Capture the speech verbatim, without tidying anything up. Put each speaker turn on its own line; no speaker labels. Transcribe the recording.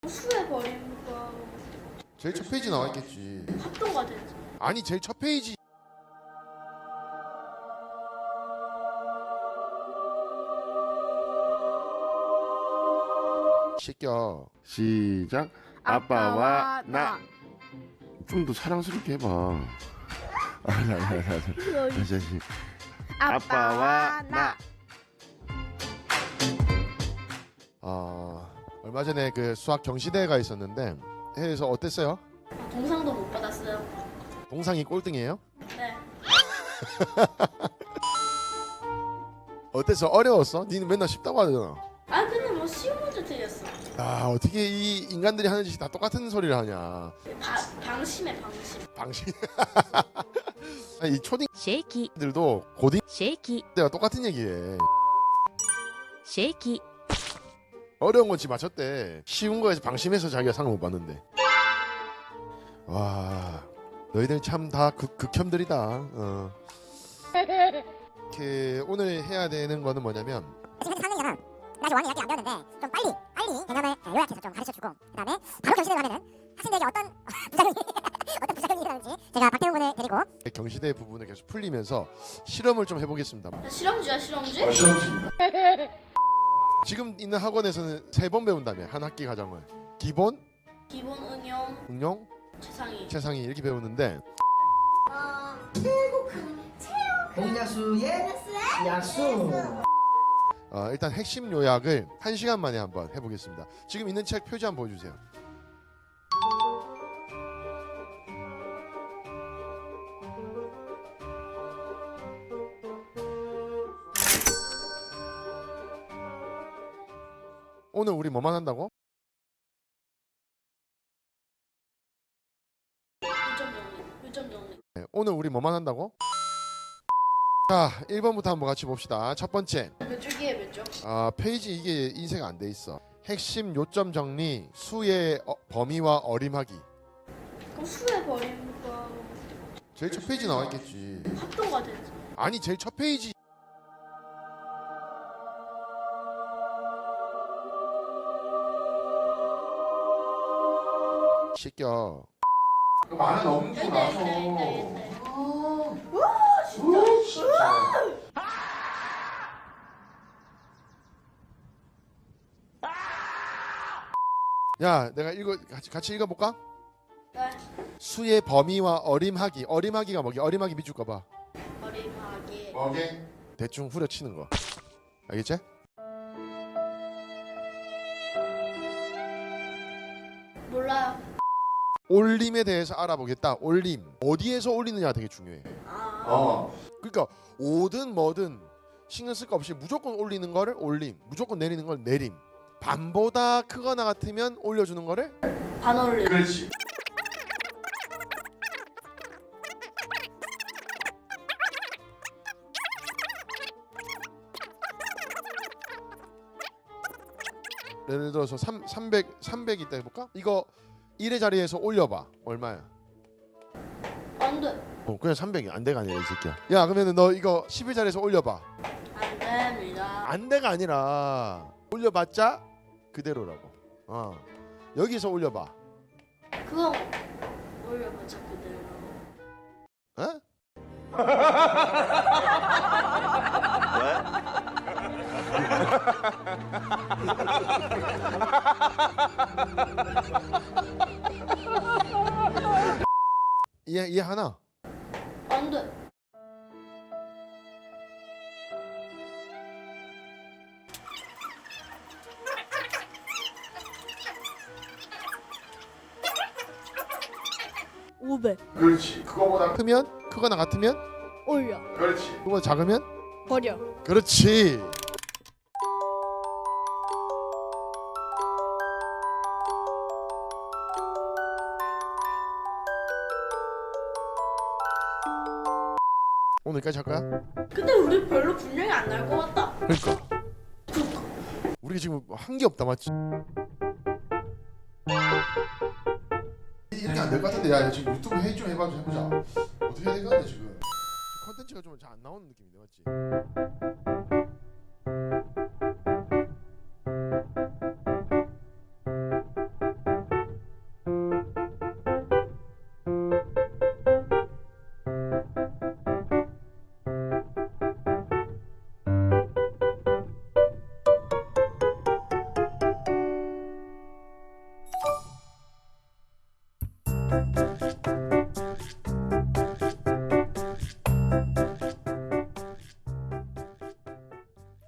수해버리니까
제일 첫 페이지 나와 있겠지.
합동가 되지.
아니 제일 첫 페이지. 시켜. 시작. 아빠와 나. 좀 더 사랑스럽게 해봐. 아니 아니 아니 아니. 다시 다시. 아빠와 나. 아 얼마 전에 그 수학 경시대회가 있었는데 해에서 어땠어요?
아, 동상도 못 받았어요.
동상이 꼴등이에요?
네.
어땠어? 어려웠어? 니는 맨날 쉽다고 하잖아.
아 근데 뭐 쉬운 문제 틀렸어.
아 어떻게 이 인간들이 하는 짓이 다 똑같은 소리를 하냐.
바, 방심해 방심.
방식. 이
쉐이키
초딩들도 고딩
쉐이키
때가 똑같은 얘기해.
쉐이키
어려운 건 지 맞췄대. 쉬운 거에서 방심해서 자기가 상을 못 받는데. 와 너희들 참 다 극혐들이다. 어. 이렇게 오늘 해야 되는 거는 뭐냐면
지금 현재 삼 학년이잖아. 나 아직 오 학년 이학기 안 배웠는데 좀 빨리 빨리 개념을 요약해서 좀 가르쳐주고 그다음에 바로 경시대에 가면은 학생들에게 어떤 부작용이 어떤 부작용이 일어나는지 제가 박태훈 군을 데리고
경시대 부분을 계속 풀리면서 실험을 좀 해보겠습니다.
야, 실험주야 실험주?
어, 실험주입니다. 지금 있는 학원에서는 세 번 배운다며 한 학기 과정을. 기본,
기본 응용
응용,
최상위.
최상위 이렇게 배우는데
아
공약수의 약수.
어, 일단 핵심 요약을 한 시간 만에 한번 해보겠습니다. 지금 있는 책 표지 한번 보여주세요. 오늘 우리 뭐만 한다고?
요점 정리. 요점 정리.
네, 오늘 우리 뭐만 한다고? 자 일 번부터 한번 같이 봅시다. 첫 번째
몇 줄기에 몇 줄?
아, 페이지 이게 인쇄가 안 돼 있어. 핵심 요점 정리, 수의 어, 범위와 어림하기.
그럼 수해버리니까
제일 첫 페이지 나와 있겠지.
합동가 되지.
아니 제일 첫 페이지. 시켜. 많은 넘기고 나서.
와 진짜.
야, 내가 읽어 같이 같이 읽어볼까?
네.
수의 범위와 어림하기. 어림하기가 뭐기? 어림하기 밑줄 거봐.
어림하게.
오케이. 대충 후려치는 거. 알겠지?
몰라요.
올림에 대해서 알아보겠다. 올림. 어디에서 올리느냐가 되게 중요해.
아.
어. 그러니까 오든 뭐든 신경 쓸 거 없이 무조건 올리는 거를 올림, 무조건 내리는 걸 내림. 반보다 크거나 같으면 올려주는 거를
반올림.
그렇지. 예를 들어서 삼, 삼백, 삼백 있다 해볼까? 이거 일의 자리에서 올려봐. 얼마야?
안 돼.
어, 그냥 삼백이 안 돼가 아니라 이 새끼야. 야 그러면 너 이거 십의 자리에서 올려봐.
안 됩니다.
안 돼가 아니라 올려봤자 그대로라고. 어 여기서 올려봐.
그거 올려보자 그대로.
어? 이해 이해 하나?
안 돼.
오백
그렇지. 그거보다 크면 크거나 같으면
올려
그렇지. 그거보다 작으면
버려
그렇지. 오늘까지 할까요?
근데 우리 별로 분량이 안 날 것 같다.
그러니까 우리가 지금 한 게 없다 맞지? 이렇게 안 될 것 같은데 야 지금 유튜브 회의 좀 해봐 좀 해보자. 어떻게 해야 될것 같아 지금 컨텐츠가 좀 잘 안 나오는 느낌인데 맞지?